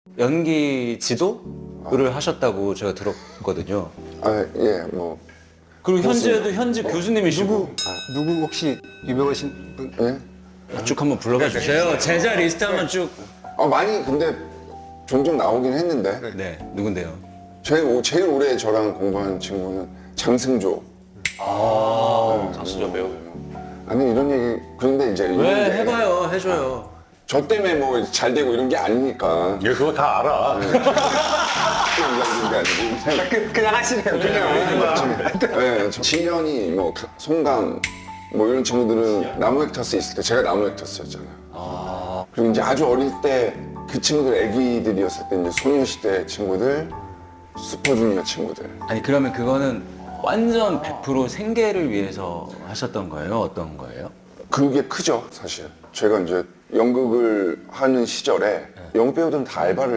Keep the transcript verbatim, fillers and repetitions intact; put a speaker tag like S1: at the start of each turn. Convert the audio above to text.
S1: 연기 지도를 하셨다고 제가 들었거든요.
S2: 아, 예, 뭐.
S1: 그리고 현재도 현재 교수님이시고.
S3: 누구 누구 혹시 유명하신 분?
S2: 예?
S1: 쭉 한번 불러봐 주세요. 제자 리스트 한번 쭉.
S2: 아, 많이 근데 종종 나오긴 했는데.
S1: 네, 누군데요?
S2: 제일, 오- 제일 오래 저랑 공부한 친구는 장승조.
S4: 장수저 배우.
S2: 아니, 이런 얘기, 그런데 이제.
S1: 왜
S2: 이런 게
S1: 해봐요, 해줘요.
S2: 저 때문에 뭐 잘 되고 이런 게 아니니까.
S4: 얘 그거 다 알아.
S2: 이런 게 아니고.
S3: 그, 그냥 하시네요.
S2: 그냥. 네, 저 진현이, 뭐, 송강, 뭐 이런 친구들은 나무 헥터스 있을 때 제가 나무 헥터스였잖아요. 그리고 이제 아주 어릴 때 그 친구들 애기들이었을 때 이제 소녀시대 친구들, 슈퍼주니어 친구들.
S1: 아니 그러면 그거는 완전 백 퍼센트 생계를 위해서 하셨던 거예요? 어떤 거예요?
S2: 그게 크죠, 사실. 제가 이제 연극을 하는 시절에 연극 배우들은 다 알바를